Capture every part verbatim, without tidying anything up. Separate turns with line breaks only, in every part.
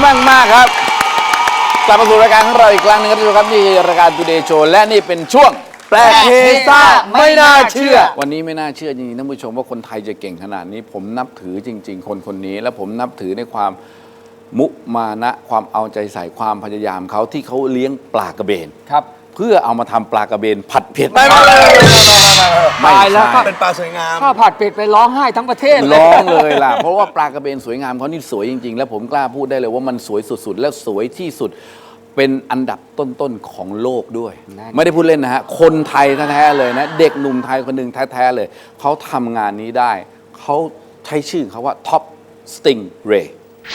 มากมากครับกลับมาสู่รายการของเราอีกครั้งหนึงครับทุกท่านครับนี่รายการ Today Show และนี่เป็นช่วงแปลกเฮซ่าไม่น่าเชื่อวันนี้ไม่น่าเชื่อจริงๆท่านผู้ชมว่าคนไทยจะเก่งขนาดนี้ผมนับถือจริงๆคนคนนี้และผมนับถือในความมุมานะความเอาใจใส่ความพยายามเขาที่เขาเลี้ยงปลากระเบน
ครับ
เพื่อเอามาทำปลากระเบนผัดเผ็ด
ไม่ไม่ไม่
ไม่
ตายแล้วก็
เป็นปลาสวยงาม
ข้าวผัดเป็ดไปร้องไห้ทั้งประเทศ
ร้องเลยล่ะเพราะว่าปลากระเบนสวยงามเขานี่สวยจริงๆแล้วผมกล้าพูดได้เลยว่ามันสวยสุดๆและสวยที่สุดเป็นอันดับต้นๆของโลกด้วยไม่ได้พูดเล่นนะฮะคนไทยแท้ๆเลยนะเด็กหนุ่มไทยคนหนึ่งแท้ๆเลยเขาทำงานนี้ได้เขาใช้ชื่อเขาว่า Top Stingray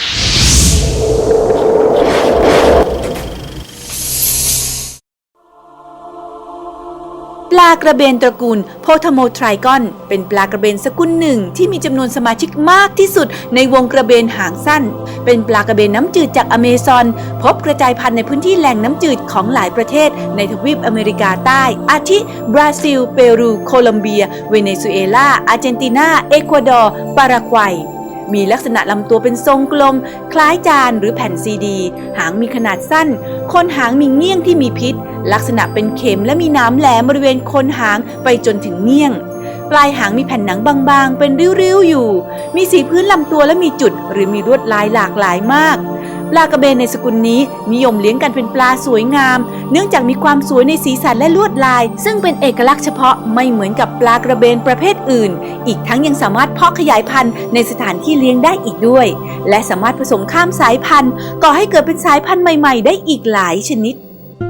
ปลากระเบนตระกูลโพธโมไทรกอนเป็นปลากระเบนสกุลหนึ่งที่มีจำนวนสมาชิกมากที่สุดในวงกระเบนหางสั้นเป็นปลากระเบนน้ำจืดจากอเมซอนพบกระจายพันธุ์ในพื้นที่แหล่งน้ำจืดของหลายประเทศในทวีปอเมริกาใต้อาทิบราซิลเปรูโคลอมเบียเวเนซุเอลาอาร์เจนตินาเอกวาดอร์ปารากวัยมีลักษณะลำตัวเป็นทรงกลมคล้ายจานหรือแผ่นซีดีหางมีขนาดสั้นโคนหางมีเงี้ยงที่มีพิษลักษณะเป็นเข็มและมีน้ำแหลมบริเวณโคนหางไปจนถึงเงี้ยงปลายหางมีแผ่นหนังบางๆเป็นริ้วๆอยู่มีสีพื้นลำตัวและมีจุดหรือมีลวดลายหลากหลายมากปลากระเบนในสกุลนี้นิยมเลี้ยงกันเป็นปลาสวยงามเนื่องจากมีความสวยในสีสันและลวดลายซึ่งเป็นเอกลักษณ์เฉพาะไม่เหมือนกับปลากระเบนประเภทอื่นอีกทั้งยังสามารถเพาะขยายพันธุ์ในสถานที่เลี้ยงได้อีกด้วยและสามารถผสมข้ามสายพันธุ์ก่อให้เกิดเป็นสายพันธุ์ใหม่ๆได้อีกหลายชนิด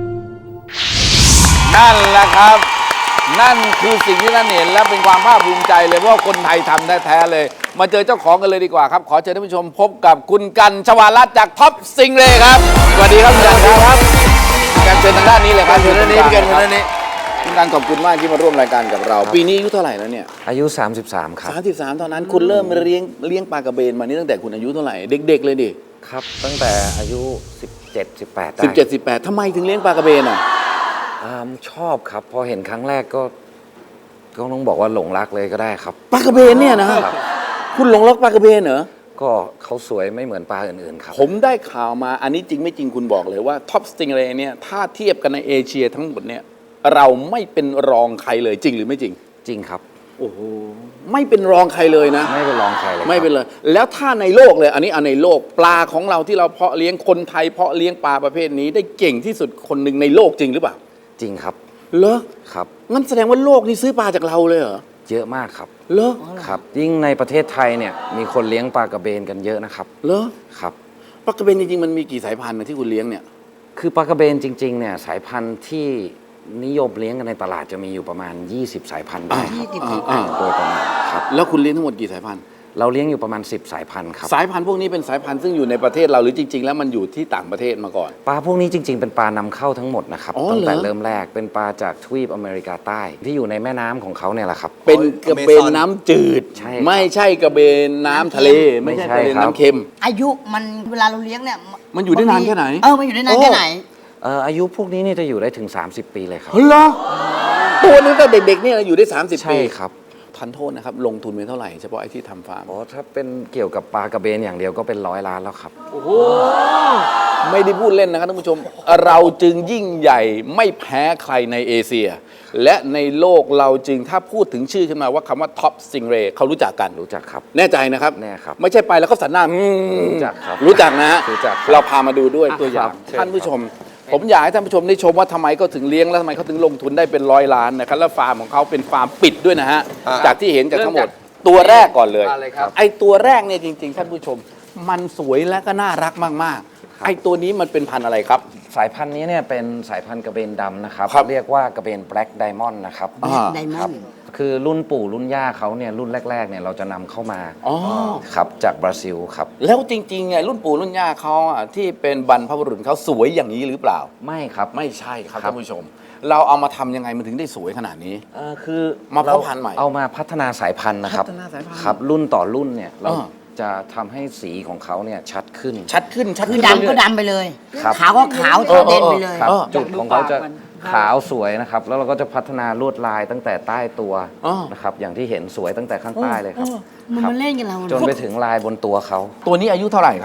นั่นแหละครับนั่นคือสิ่งที่ท่านเห็นและเป็นความภาคภูมิใจเลยว่าคนไทยทำแท้ๆเลยมาเจอเจ้าของกันเลยดีกว่าครับขอเชิญท่านผู้ชมพบกับคุณกันชวารัตน์จากท็อปซิงเรย์ครับสวัสดีครับคุณกันครับคุณกันเชิญทางด้านนี้เลยครับเชิญด้านนี้กันด้านนี้คุณกันขอบคุณมากที่มาร่วมรายการกับเราปีนี้อายุเท่าไหร่แล้วเนี่ย
อายุสามสิบสามครับ
สามสิบสามตอนนั้นคุณเริ่มเลี้ยงเลี้ยงปลากระเบนมานี่ตั้งแต่คุณอายุเท่าไหร่เด็กๆเลยดิ
ครับตั้งแต่อายุสิบเจ็ด สิบแปดได้
สิบเจ็ด สิบแปดทำไมถึงเลี้ยงปลากระเบนอ่ะ
ชอบครับพอเห็นครั้งแรกก็ก็ต้องบอกว่าหลงรักเลยก็ได้ครับ
ปลากระเบนเนี่ยนะคุณหลงรักปลากระเบนเหรอ
ก็เขาสวยไม่เหมือนปลาอื่นๆครับ
ผมได้ข่าวมาอันนี้จริงไม่จริงคุณบอกเลยว่าท็อปสติงเรย์เนี่ยถ้าเทียบกันในเอเชียทั้งหมดเนี่ยเราไม่เป็นรองใครเลยจริงหรือไม่จริง
จริงครับ
โอ้โหไม่เป็นรองใครเลยนะ
ไม่เป็นรองใครเลย
ไม่เป็นเลยแล้วถ้าในโลกเลยอันนี้อันในโลกปลาของเราที่เราเพาะเลี้ยงคนไทยเพาะเลี้ยงปลาประเภทนี้ได้เก่งที่สุดคนหนึ่งในโลกจริงหรือเปล่า
จริงครับ
เหรอ
ครับ
งั้นแสดงว่าโลกนี้ซื้อปลาจากเราเลยเหรอ
เยอะมากครับ
เหรอ
ครับยิ่งในประเทศไทยเนี่ยมีคนเลี้ยงปลากระเบนกันเยอะนะครับ
เหรอ
ครับ
ปลากระเบนจริงๆมันมีกี่สายพันธุ์นะที่คุณเลี้ยงเนี่ย
คือปลากระเบนจริงๆเนี่ยสายพันธุ์ที่นิยมเลี้ยงกันในตลาดจะมีอยู่ประมาณยี่สิบสายพันธุ์ได้ครับโดยประมาณครับ
แล้วคุณเลี้ยงทั้งหมดกี่สายพันธุ์
เราเลี้ยงอยู่ประมาณสิบสายพันธุ์ครับ
สายพันธุ์พวกนี้เป็นสายพันธุ์ซึ่งอยู่ในประเทศเราหรือจริงๆแล้วมันอยู่ที่ต่างประเทศมาก่อน
ปลาพวกนี้จริงๆเป็นปลานำเข้าทั้งหมดนะครับตั้งแต่เริ่มแรกเป็นปลาจากทวีปอเมริกาใต้ที่อยู่ในแม่น้ำของเขาเนี่ยแหละครับ
เป็นกระเบนน้ำจืดไม่ใช่กระเบนน้ำทะเลไม่ใช่กระเบนน้ำเค็ม
อายุมันเวลาเราเลี้ยงเนี่ย
มันอยู่ได้นานแค่ไหน
เออมันอยู่ได้นานแค่ไหน
เอ่ออายุพวกนี้เนี่ยจะอยู่ได้ถึงสามสิบปีเลยครับ
เหรอตัวนึงแต่เด็กๆเนี่ยอยู่ได้สามสิบปี
ใช่ครับ
ทันโทษนะครับลงทุนไปเท่าไหร่เฉพาะไอ้ที่ทำฟาร์ม
อ๋อถ้าเป็นเกี่ยวกับปลากระเบนอย่างเดียวก็เป็นร้อยล้านแล้วครับ
โอ้โหไม่ได้พูดเล่นนะครับท่านผู้ชมเราจึงยิ่งใหญ่ไม่แพ้ใครในเอเชียและในโลกเราจึงถ้าพูดถึงชื่อขึ้นมาว่าคำว่าท็อปสติงเรย์เขารู้จักกัน
รู้จักครับ
แน่ใจนะครับ
แน่ครับ
ไม่ใช่ไปแล้วเขาสันหน้า
รู้จักครับ
รู้จักนะฮะ
รู้จัก
เราพามาดูด้วยตัวอย่างท่านผู้ชมผมอยากให้ท่านผู้ชมได้ชมว่าทำไมเขาถึงเลี้ยงแล้วทำไมเขาถึงลงทุนได้เป็นร้อยล้านนะครับแล้วฟาร์มของเขาเป็นฟาร์มปิดด้วยนะฮะจากที่เห็นจากทั้งหมดตัวแรกก่อนเลยไอ้ตัวแรกเนี่ยจริงๆท่านผู้ชมมันสวยและก็น่ารักมากๆไอ้ตัวนี้มันเป็นพันธุ์อะไรครับ
สายพันธุ์นี้เนี่ยเป็นสายพันธุ์กระเบนดำนะครับเรียกว่ากระเบนแบล็กไดมอนด์นะครับ
ไดมอนด์
คือรุ่นปู่รุ่นย่าเขาเนี่ยรุ่นแรกๆเนี่ยเราจะนำเข้ามาครับจากบราซิลครับ
แล้วจริงๆไงรุ่นปู่รุ่นย่าเขาอ่ะที่เป็นบรรพบุรุษเขาสวยอย่างนี้หรือเปล่า
ไม่ครับ
ไม่ใช่ครับท่านผู้ชมเราเอามาทำยังไงมันถึงได้สวยขนาดนี้
เออคือ
มาเพาะพันธุ์ใหม่
เอามาพัฒนาสายพันธุ์นะครับครับรุ่นต่อรุ่นเนี่ยเราจะทำให้สีของเขาเนี่ยชัดขึ้น
ชัดขึ้นชัด
ขึ้
น
ดำก็ดำไปเลยขาวก็ขาวเด่นไปเลย
จุดของเขาจะขาวสวยนะครับแล้วเราก็จะพัฒนาลวดลายตั้งแต่ใต้ตัวนะครับอย่างที่เห็นสวยตั้งแต่ข้างใต้เลยครับ
มันมาเล่นกันเรา
จนไปถึงลายบนตัวเขา
ตัวนี้อายุเท่าไหร่ครับ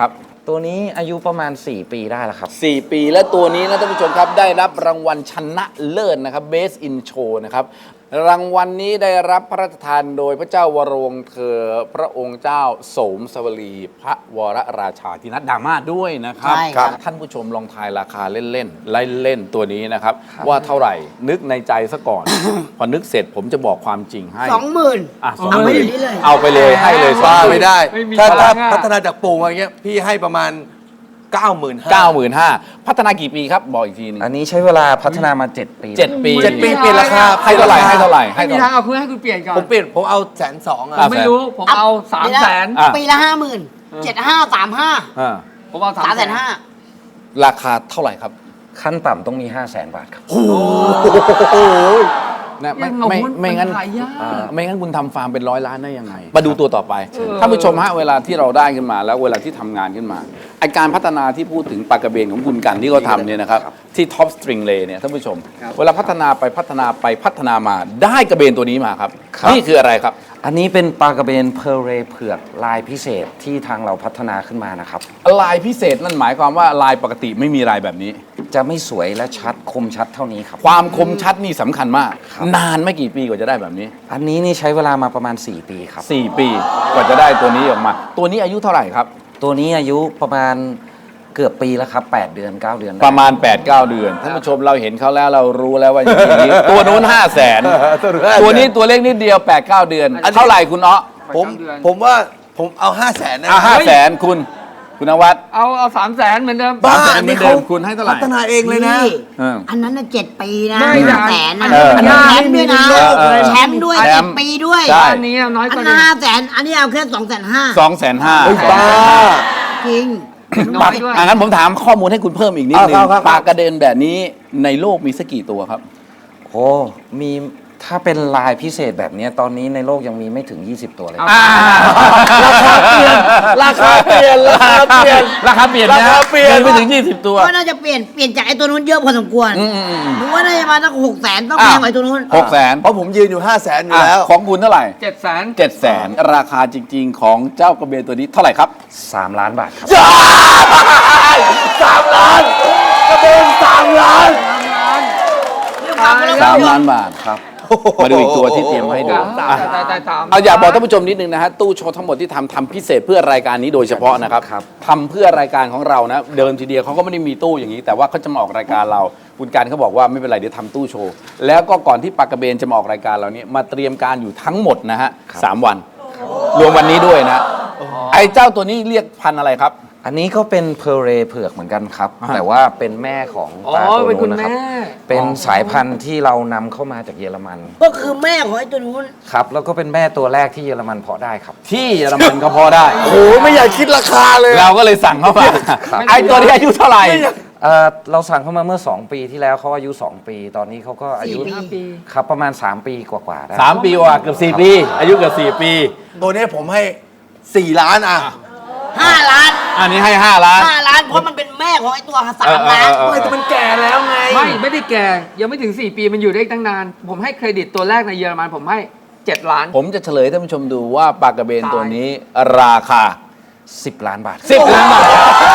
ตัวนี้อายุประมาณ สี่ ปีได้แล้วครับ
สี่ ปีและตัวนี้นะท่านผู้ชมครับได้รับรางวัลชนะเลิศนะครับ Best in Show นะครับรางวัลนี้ได้รับพระราชทานโดยพระเจ้าวรวงศ์เธอพระองค์เจ้าโสมสวลีพระวรราชาธินัดดามาศด้วยนะครับ
ใช่ครับ
ท่านผู้ชมลองทายราคาเล่นๆไล่เล่นตัวนี้นะครับ ว่าเท่าไหร่นึกในใจซะก่อน พอนึกเสร็จผมจะบอกความจริงให้
สองหมื่น
อ่ะสอง
เอา
ห
ไป
มื่น
เดี๋ยวนี้เลย
เอาไปเลยให้เลยสอง
บ้า
หมื่น
ไม่ได้
ไม่มี
ถ้า
พลั
ถ้าง
อะ
พัฒนาจากปูมาอย่างเงี้ยพี่ให้ประมาณ เก้าหมื่นห้า
เก้าหมื่นห้าพัฒนากี่ปีครับบอกอีกทีหนึง
อันนี้ใช้เวลาพัฒนามา เจ็ด ปี
เจ็ดปี
เจ็ดปีเปลี่ยนราคา
ให้เท่าไหร่ให้เท่าไหร่ให้
ไม่มี
เท่าไห
ทาง
ร่
เอาคุณให้คุณเปลี่ยนก่อน
ผมเปลี่ยนผมเอาแสนสอง
ผ
อ่ะ
มไม่รู้ ผมเอาสามแสน
อ่ะ
ปีละห้าหมื่นเจ็ดห้าสามห้า
อ่า
ผมเอาสาม
สาม
แส
แส
น
นห้า
ราคาเท่าไหร่ครับ
ขั้นต่ำต้องมี ห้าแสน บาทครับ
นะไม่
ยังงง
ไม่
ว่า
ไม่งั้น
มันขายยาก
อ่าไม่งั้นคุณทำฟาร์มเป็นร้อยล้านได้ยังไง มาดูตัวต่อไปท่านผู้ชมฮะเวลาที่เราได้ขึ้นมาแล้วเวลาที่ทำงานขึ้นมาไอการพัฒนาที่พูดถึงปลากระเบนของคุณกันที่เขาทำเนี่ยนะครับที่ท็อปสตริงเลเนี่ยท่านผู้ชม เวลาพัฒนาไปพัฒนาไปพัฒนามาได้กระเบนตัวนี้มาครับ
ครับ
นี่คืออะไรครับ
อันนี้เป็นปลากระเบนเพอร์เรเผือกลายพิเศษที่ทางเราพัฒนาขึ้นมานะครับ
ลายพิเศษนั่นหมายความว่าลายปกติไม่มีลายแบบนี้
จะไม่สวยและชัดคมชัดเท่านี้ครับ
ความคมชัดนี่สำคัญมาก
ครับ
นานไม่กี่ปีกว่าจะได้แบบนี้
อันนี้นี่ใช้เวลามาประมาณ สี่ ปีครับ
สี่ ปีกว่าจะได้ตัวนี้ออกมา ตัวนี้อายุเท่าไหร่ครับ
ตัวนี้อายุประมาณเกือบปีแล้วครับ แปด เดือน เก้า เดือนได้
ประมาณ แปดเก้า เดือนท่านผู้ชมเราเห็นเขาแล้วเรารู้แล้วว่าอย่างนี้ ตัวนู้นห้าแสนตัวนี้ตัวเล็กนิดเดียว แปดเก้า เดือน เท่าไหร่คุณเนาะ
ผมผมว่าผมเอาห้าแสนนะ
อ่ะห้าแสนคุณคุณนวัด
เอาเอาสามแสนเหมือนเดิม
บ้า
สามแสน
อันนี้
เหมือนเดิ
เขา
มคุณให้เท่าไหร่
พัฒนาเองเลยนะ
นี่
เออ
อันนั้นน่ะเจ็ดปีนะ
ไม่
ห้าแสนนะ
เออ
อันนั้นแชมป์ด้วยนะ
เออเออ
แชมป์ด้วย
แช
เจ็
ม
ด
ป์
ปีด้วย
ใช่
อันนี้เอาน้อย
อั
ก
น
ว่า
นั้น
นี้
ห้าแสนอันนี้เอาแค่สองแสนห้า
สองแสนห้า
เฮ้ยบ้า
จริง
น้อยด้วย
อ่ะงั้นผมถามข้อมูลให้คุณเพิ่มอีกนิดนึง
เอาครับครับ
ปลากระเด็นแบบนี้ในโลกมีสักกี่ตัวครับ
โอ้มีถ้าเป็นลายพิเศษแบบนี้ตอนนี้ในโลกยังมีไม่ถึง ยี่สิบ ตัวเลย
อ่า
ราคาเปลี่ยนราคาเปลี่ยน
ราคาเปลี่ยนนะ
ราคาเปลี่ยน
มีไปถึงยี่สิบตัว
ก็น่าจะเปลี่ยนเปลี่ยนจากไอ้ตัวนู้นเยอะพอสมควร
อืมอืมอืม
หนูว่าน่าจะมาตั้งหกแสนต้องแพงกว่าไอ้ตัวนู้น
หกแสน
เพราะผมยืนอยู่ห้าแสนอยู่แล้ว
ของคุณเท่าไหร่
เจ็ดแสน
เจ็ดแสนราคาจริง ๆ ของเจ้ากระเบนตัวนี้เท่าไหร่ครับ
สาม ล้านบาทครับ
สามล้านกระเบนสามล้าน
สามล้านบาทครับ มาดูอีกตัวที่เตรียมมาให้ดู
ตา
อ่ะ
ยตายตายตาม
เอาอยากบอกท่านผู้ชมนิดนึงนะฮะตู้โชว์ทั้งหมดที่ทำทำพิเศษเพื่อรายการนี้โดยเฉพาะนะครับ
ครับ
ทำเพื่อรายการของเรานะเดิมทีเดียวเขาก็ไม่ได้มีตู้อย่างนี้ แต่ว่าเขาจะมาออกรายการเราคุณการเขาบอกว่าไม่เป็นไรเดี๋ยวทำตู้โชว์แล้วก็ก่อนที่ปากกระเบนจะมาออกรายการเราเนี่ยมาเตรียมการอยู่ทั้งหมดนะฮะสามวัน รวมวันนี้ด้วยนะไอ้เจ้าตัวนี้เรียกพันธุ์อะไรครับ
อันนี้ก็เป็นเพอร์เรเผือกเหมือนกันครับ
อ่า
แต่ว่าเป็นแม่ของ
อ๋อ
ปลาตัว
เป็นคุ
นู้
ณ
นนะครับ
แม่
เป็นสายพันธุ์ที่เรานำเข้ามาจากเยอรมัน
ก็คือแม่ของไอ้ตัวนู้น
ครับ แล้วก็เป็นแม่ตัวแรกที่เยอรมันเพาะได้ครับ
ที่เยอรมันก็พอได้
โอ้โหไม่อยากคิดราคาเลย
เราก็เลยสั่งเข้ามาไอ้ตัวนี้อายุเท่าไหร่
เอ่อเราสั่งเข้ามาเมื่อ สอง ปีที่แล้วเขาอายุ สอง ปี ตอนนี้เขาก็อายุ
สี่ปี
ครับประมาณ สาม ปีกว่าๆได้
สามปีกว่าเกือบสี่ปี อายุเกือบสี่ปี
ตัวนี้ผมให้สี่ล้านอ่ะ
ห้าล้าน
อันนี้ให้ห้าล้าน
ห้าล้านเพราะมันเป็นแม่ของไอ้ตัวสา
เอ
ม
อเออ
ล้าน
เออ
ไม่แต่มันแก่แล้วไง
ไม่ไม่ได้แก่ ยังไม่ถึง สี่ ปีมันอยู่ได้อีกตั้งนาน ผมให้เครดิตตัวแรกในเยอรมันผมให้ เจ็ด ล้าน
ผมจะเฉลยให้ท่านผู้ชมดูว่าปลากระเบนตัวนี้ราคา
สิบ ล้านบาท
สิบล้านบาท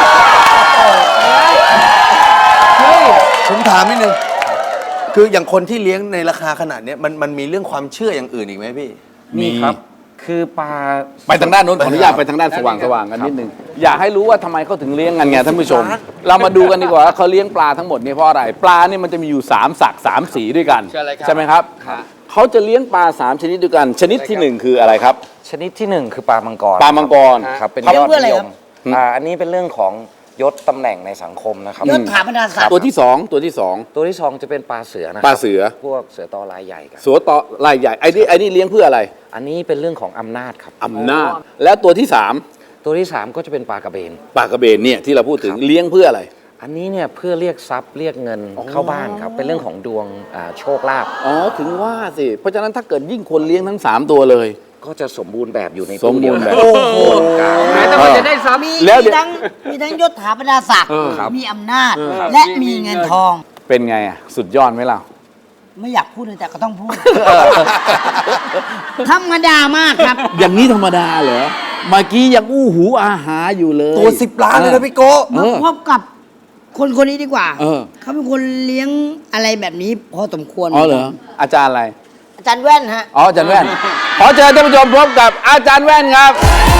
ผมถามนิดนึง คืออย่างคนที่เลี้ยงในราคาขนาดเนี้ยมันมันมีเรื่องความเชื่ออย่างอื่นอีกไหมพี่
มีครับ คือปลา
ไปทางด้านโน้นขออนุญาตไปทางด้านสว่างสว่างกันนิดนึงอยากให้รู้ว่าทำไมเขาถึงเลี้ยงกันไงท่านผู้ชม เรามาดูกันดีกว่าว่าเขาเลี้ยงปลาทั้งหมดเนี่ยเพราะอะไรปลาเนี่ยมันจะมีอยู่สามสักสามสีด้วยกัน
เชิญเลยครับ
ใช่ไหมครับเขาจะเลี้ยงปลาสามชนิดด้วยกัน ชนิดที่หนึ่งคืออะไรครับ
ชนิดที่หนึ่งคือปลามังกร
ปลามังกร
ครับเป็น
เขา
ยอด
เพื่ออะไร
นิย
ครั
ม
บ
อ่าอันนี้เป็นเรื่องของยศตำแหน่งในสังคมนะครับ
ยศถาบรรดาศักดิ์
ตัวที่สองตัวที่สอง
ตัวที่สองจะเป็นปลาเสือนะค
ป
รั
ลาเสือ
พวกเสือตอลายใหญ่กัน
สัวต่อลายใหญ่ไอ้นี่ไอ้นี่เลี้ยงเพื่ออะไร
อันนี้เป็นเรื่องของอำนาจครับ
อำนาจแล้วตัวที่สาม
ตัวที่สามก็จะเป็นปลากระเบน
ปลากระเบนเนี่ยที่เราพูดถึงเลี้ยงเพื่ออะไร
อันนี้เนี่ยเพื่อเรียกทรัพย์เรียกเงินเข้าบ้านครับ เป็นเรื่องของดวงอ่าโชคลาภ
อ๋อถึงว่าสิเพราะฉะนั้นถ้าเกิดยิ่งคนเลี้ยงทั้งสามตัวเลย
ก็จะสมบูรณ์แบบอยู่ใน
สมบูรณ์แบบ
ตู้เดียวกันโอ้โหกาว
แม้แต่มันจะได้ซ้ำ
มี
แล้ว
มี
เดี๋ยว
ทั้งมีทั้งยศถาบรรดาศักดิ์
เออครับ
มีอำนาจ และมีเงินทอง
เป็นไงอ่ะสุดยอดไหมล่ะ
ไม่อยากพูดเลยแต่ก็ต้องพูด ธรรมดามากครับ
อย่างนี้ธรรมดาเหรอเมื่อกี้ยังอู้หูอาหาอยู่เลย
ตัวสิบล้านเลยนะพี่โก้
เอ
มา
อ
พบกับคนคนนี้ดีกว่า
เออ
เขาเป็นคนเลี้ยงอะไรแบบนี้พอสมควร
อ๋อเหรออาจารย์อะไร
อาจารย์แว่นฮะ
อ๋ออาจารย์แว่น ขอเชิญท่านผู้ชมพบกับอาจารย์แว่นครับ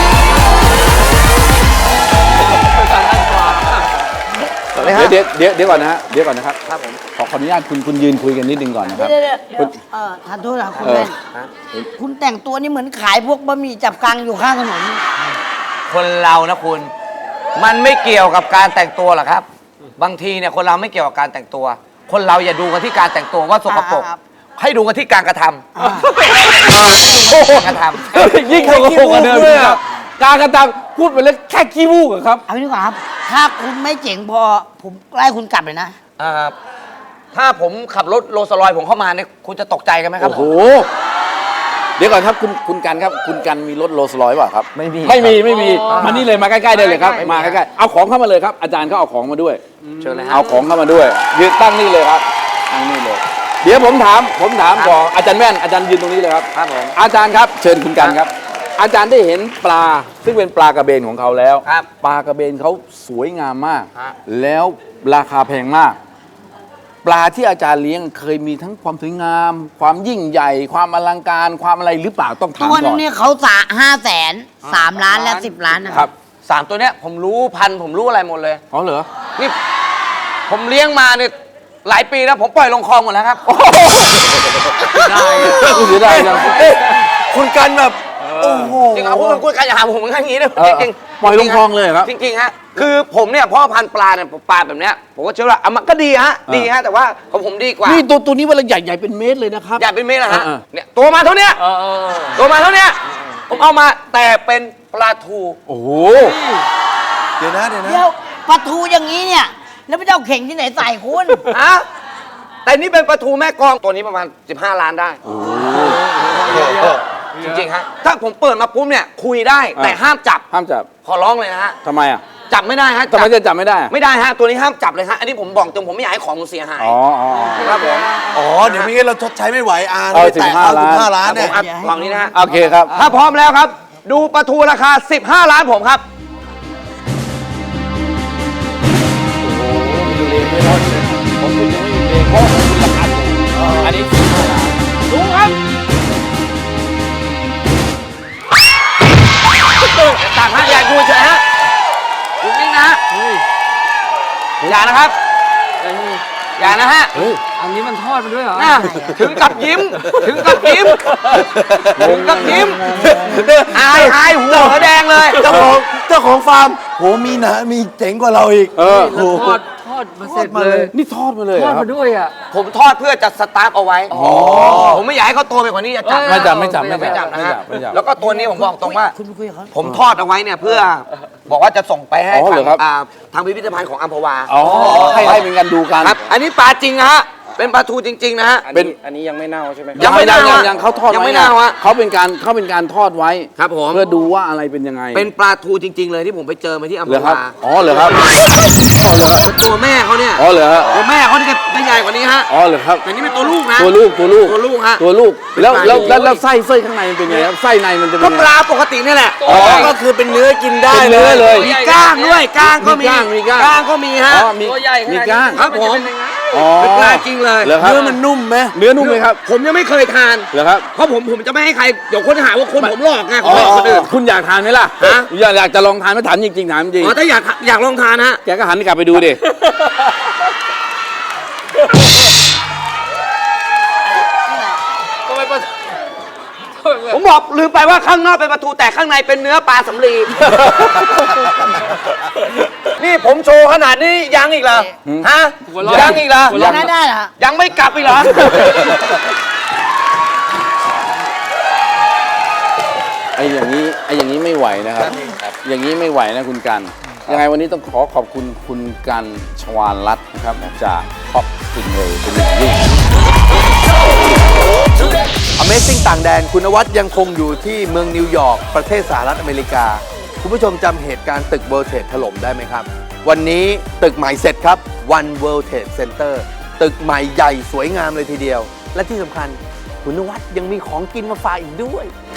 เดี๋ยวเดี๋ยวเดี๋ยวเดี๋ยวก่อนนะฮะเดี๋ยวก่อนนะครับครับผมขอขออนุญาตคุณคุณยืนคุยกันนิดนึงก่อนนะครับ
เดี๋ยวเดี๋ยวเดี๋ยวเออทานโทษนะคุณ
เออ
แว่นคุณแต่งตัวนี่เหมือนขายพวกบะหมี่จับกังอยู่ข้างถนน
คนเรานะคุณ มันไม่เกี่ยวกับการแต่งตัวหรอกครับ บางทีเนี่ยคนเราไม่เกี่ยวกับการแต่งตัว คนเราอย่าดูกันที่การแต่งตัวว่าสกปรก
ครับ
ให้ดูกันที่การกระทำ
อ่า
การกระทำ
ยิ่งเขาโกหกกันเลยอะการกระทำพูดไปแล้วแค่ขี้มูกอะครับ
เอาไปดีกว่าครับ ถ้าคุณไม่เจ๋งพอผมไล่คุณกลับเลยนะ
อ่าถ้าผมขับรถโรลส์รอยซ์ผมเข้ามาเนี่ยคุณจะตกใจกันไหมครับ
โอ้โห เดี๋ยวก่อนครับคุณคุณกันครับ คุณกันมีรถโรลส์รอยซ์เปล่าครับ
ไม่มี
ไม่มี
ครับ
ไม่มีมานี่เลยมาใกล้ๆได้เลยครับ มาใกล้ๆเอาของเข้ามาเลยครับ อาจารย์เขาเอาของมาด้วย
เชิญเลยฮะ
เอาของเข้ามาด้วยยืนตั้งนี่เลยครับตั้งนี่เลย เดี๋ยวผมถามผมถามก่อนอาจารย์แว่นอาจารย์ยืนตรงนี้เลยครับ
ครับผม
อาจารย์ครับเชิญคุณกันครับ อาจารย์ได้เห็นปลาซึ่งเป็นปลากระเบนของเขาแล้ว
ครับ
ปลากระเบนเขาสวยงามมาก
ฮะ
แล้วราคาแพงมาก ปลาที่อาจารย์เลี้ยงเคยมีทั้งความสวยงาม ความยิ่งใหญ่ ความอลังการความอะไรหรือเปล่าต้องถาม
ตัว
ก่
นึ
อง น
เนี่ยเขาสาห้าแสนสามล้านและสิบล้านนะ
ค
ค
รั
รั
บบ
สามตัวเนี้ยผมรู้พันธุ์ผมรู้อะไรหมดเลย
อ๋อเหรอ
นี่ผมเลี้ยงมาเนี่ยหลายปีแล้วผมปล่อยลงคลองหมดแล้วครับ
ได้เสียดายจัง
คุณกันแบบ โอ้โห
จริงเอาพูดมันคุยกันอย่าหาผมอย่างนี้นะ
เออ
จริงๆ
ปล่อยลงคลองเลยครับ
จริงๆฮะคือผมเนี่ยพ่อพันธุ์ปลาเนี่ยปลาแบบเนี้ยผมก็เชื่อว่าอ่ะมันก็ดีฮะดีฮะแต่ว่าของผมดีกว่า
นี่ตัวตัวนี้เวลาใหญ่ใหญ่เป็นเมตรเลยนะครับ
อย่าเป็นเมตรนะฮะ
เออ
เนี่ยตัวมาเท่าเนี้ยตัวมาเท่าเนี้ยผมเอามาแต่เป็นปลาทู
โอ้โห
เดี๋ยวนะเดี๋ยวนะ
เดี๋ยวปลาทูอย่างนี้เนี่ย แล้วไม่เจ้าเข่งที่ไหนใส่คุณ
ฮะแต่นี่เป็นปลาทูแม่กลองตัวนี้ประมาณสิบห้าล้านได้จริงๆฮะถ้าผมเปิดมาปุ๊บเนี่ยคุยได้แต่ห้ามจับ
ห้ามจับ
ขอร้องเลยนะฮะ
ทำไมอ่ะ
จับไม่ได้ฮะ
ทำไมจะจับไม่ได้อะ
ไม่ได้ฮะตัวนี้ห้ามจับเลยฮะอันนี้ผมบอกตรงผมไม่อยากให้ของมันเสียหาย
อ๋ออ๋อ
ครับผม
อ๋อ เดี๋ยวไม่งั้นเราชดใช้ไม่ไหวอา
เออ
ไปแตะ
สิบห้า
สิบห้า
ล้า
ล้าน นเนี่ย
ผมอัดฝั่งนี้นะฮะ
โอเคครับ
ถ้าพร้อมแล้วครับ ดูปลาทูราคา สิบห้า ล้านผมครับ
ผมคุณยังไม่มีเพลงเพราะคุณราคาถูกอันนี้สิบห้าล้าน
ดูครับต่างฮะอย่าดูเฉยฮะดูนิ่งนะฮะอย่านะครับ อย่านะฮะ
เฮ้ย
อันนี้มันทอดมาด้วยเหรอ
น่ะถึงกับยิ้ม ถึงกับยิ้ม ถึงกับยิ้ม อายอายหัวเหอแดงเลย
เจ้าของเจ้าของฟาร์มโหมีหนามีเจ๋งกว่าเราอีก
เออ
โอ้โห
ทอดทอดมาเสร็จเลย
นี่ทอดมาเลยเห
ท
ร
อ
อ
ด
ครับ
มาด้วยอ่ะ
ผมทอดเพื่อจะสตาร์ฟเอาไว้ ผมไม่อยากให้เขาโตไปกว่านี้จะจับ
ไม่จับไม่จับ
ไม่
ไม่
จั
จั
บบ นะ
ไม่
ฮะ
จับไม่จับ
แล้วก็ตัวนี้ผมบอกตรงว่า
คุณไปคุยกับเขา
ผมทอดเอาไว้เนี่ยเพื่อบอกว่าจะส่งไปให้
อ๋อ
ทา
เหรง อครับ
อ่าทางพิพิธภัณฑ์ของอัมพวา
อ๋อให้ให้เป็นกันดูกัน
ครับ อันนี้ปลาจริงนะฮะ เป็นปลาทูจริง ๆ นะฮะ
เป็น
อันนี้ยังไม่เน่าใช่ไหมครับ
ยังไม่เน่า
ยัง
ฮะ
ยังเขาทอด
ยัง
ไว้
ไม่เน่าฮะ
เขาเป็นการเขาเป็นการทอดไว้
ครับผม
เพื่อดูว่าอะไรเป็นยังไง
เป็นปลาทูจริง ๆ เลยที่ผมไปเจอมาที่อัม
เห
พ
รอครับ
วา
อ๋อเหรอครับอ๋อเหรอครับ
ตัวแม่เขาเนี่ย
อ๋อเหรอฮะ
ตัวแม่เขาที่จะใหญ่กว่านี้ฮะ
อ๋อเหรอครับ
แต่นี่เป็นตัวลูกนะ
ตัวลูกตัวลูก
ตัวลูกฮะ
ตัวลูก แล้ว
เป็นปลา
แล้วแล้ว
โอ้ย
แล้วไส้ไส้ข้างในมันเป็นไงครับไส้ในมันจะเป็
ก็
นไง
ปลาปกตินี่แหละ
อ๋อ
ก็คือเป็นเนื้อกินได้
เป็นเนื้อเลย
มีก้างด้วยก้างก็มี
มีก้างมีก้าง
ก้างก็มีฮะ
อ๋อมี
ตัวใหญ่ขนาดนี้
มีก้าง
ครับผม
อ๋อ
เป็นปลาจริงเลย
เหรอครับ
เนื้อมันนุ่มไหม
เนื้อนุ่มไหมครับ
ผมยังไม่เคยทาน
เหรอครับ
เพราะผมผมจะไม่ให้ใครเดี๋ยวคนหาว่าคนผมหลอกไงข
อ๋
อง
อ
คนอื่น
คุณอยากทานไหมล่ะ
ฮะ
อยากอยากจะลองทานไหมถามจริงๆถามจริง
อ๋อถ้าอยากอยากลองทานฮะ
แกก็หันกลับไปดูดิ
ผมบอกลืมไปว่าข้างนอกเป็นปลาทูแต่ข้างในเป็นเนื้อปลาสำลี นี่ผมโชว์ขนาดนี้ยังอีกเหรอฮะยังอีกเหรอ
ยังได้ได้เหรอ
ยังไม่กลับอีกเหรอ
ไอ้อย่างนี้ไอ้อย่างนี้ไม่ไหวนะครับ อย่างนี้ไม่ไหวนะคุณกัน ยังไงวันนี้ต้องขอขอบคุณคุณกันชวาลรัตน์นะครับจากท็อปสติงเลยเป็นอย่างยิ่ง
Amazing ต่างแดนคุณนวัดยังคงอยู่ที่เมืองนิวยอร์กประเทศสหรัฐอเมริกา คุณผู้ชมจำเหตุการณ์ตึก World Trade ถล่มได้ไหมครับ วันนี้ตึกใหม่เสร็จครับ One World Trade Center ตึกใหม่ใหญ่สวยงามเลยทีเดียว และที่สำคัญคุณนวัดยังมีของกินมาฝากอีกด้วย